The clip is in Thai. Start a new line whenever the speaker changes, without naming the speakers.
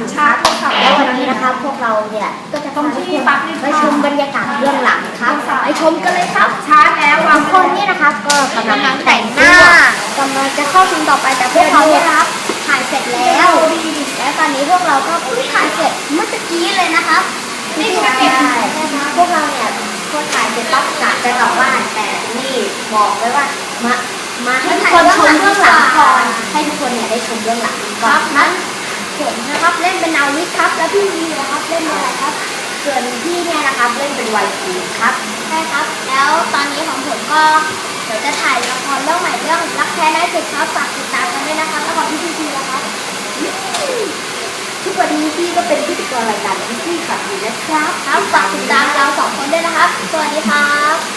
สุครับแล้ววันนี้นะครับพวกเราเนี่ยก็จะพาทุกคนไปชมบรรยากาศเบื้องหลังครับไปชมกันเลยครับชาร์จแล้วบางคนนี่นะครับก็กำลังแต่งหน้ากำลังจะเข้าซีนต่อไปแต่พวกเราเนี่ยนะครับถ่ายเสร็จแล้วและตอนนี้พวกเราก็เพิ่งถ่ายเสร็จเมื่อกี้เลยนะครับนี่ใช่พวกเราเนี่ยพอถ่ายเสร็จปั๊บกะจะกลับบ้านแต่นี่บอกไว้ว่ามาให้ทุกคนชมเบื้องหลังก่อนให้ทุกคนเนี่ยได้ชมเบื้องหลังก่อนนั้นผมนะครับเล่นเป็นนาวิกครับแล้วพี่วีนะครับเล่นเป็นอะไรครับส่วนพี่เนี่ยนะครับเล่นเป็นไวทีครับใช่ครับแล้วตอนนี้ของผมก็เดี๋ยวจะถ่ายละครเรื่องใหม่เรื่องรักแท้ได้สิครับฝากติดตามกันด้วยนะครับแล้วก็พี่พีนะครับทุกวันนี้พี่ก็เป็นพิธีกรรายการพี่ขับอยู่นะครับฝากติดตามเรา2 คนด้วยนะครับสวัสดีครับ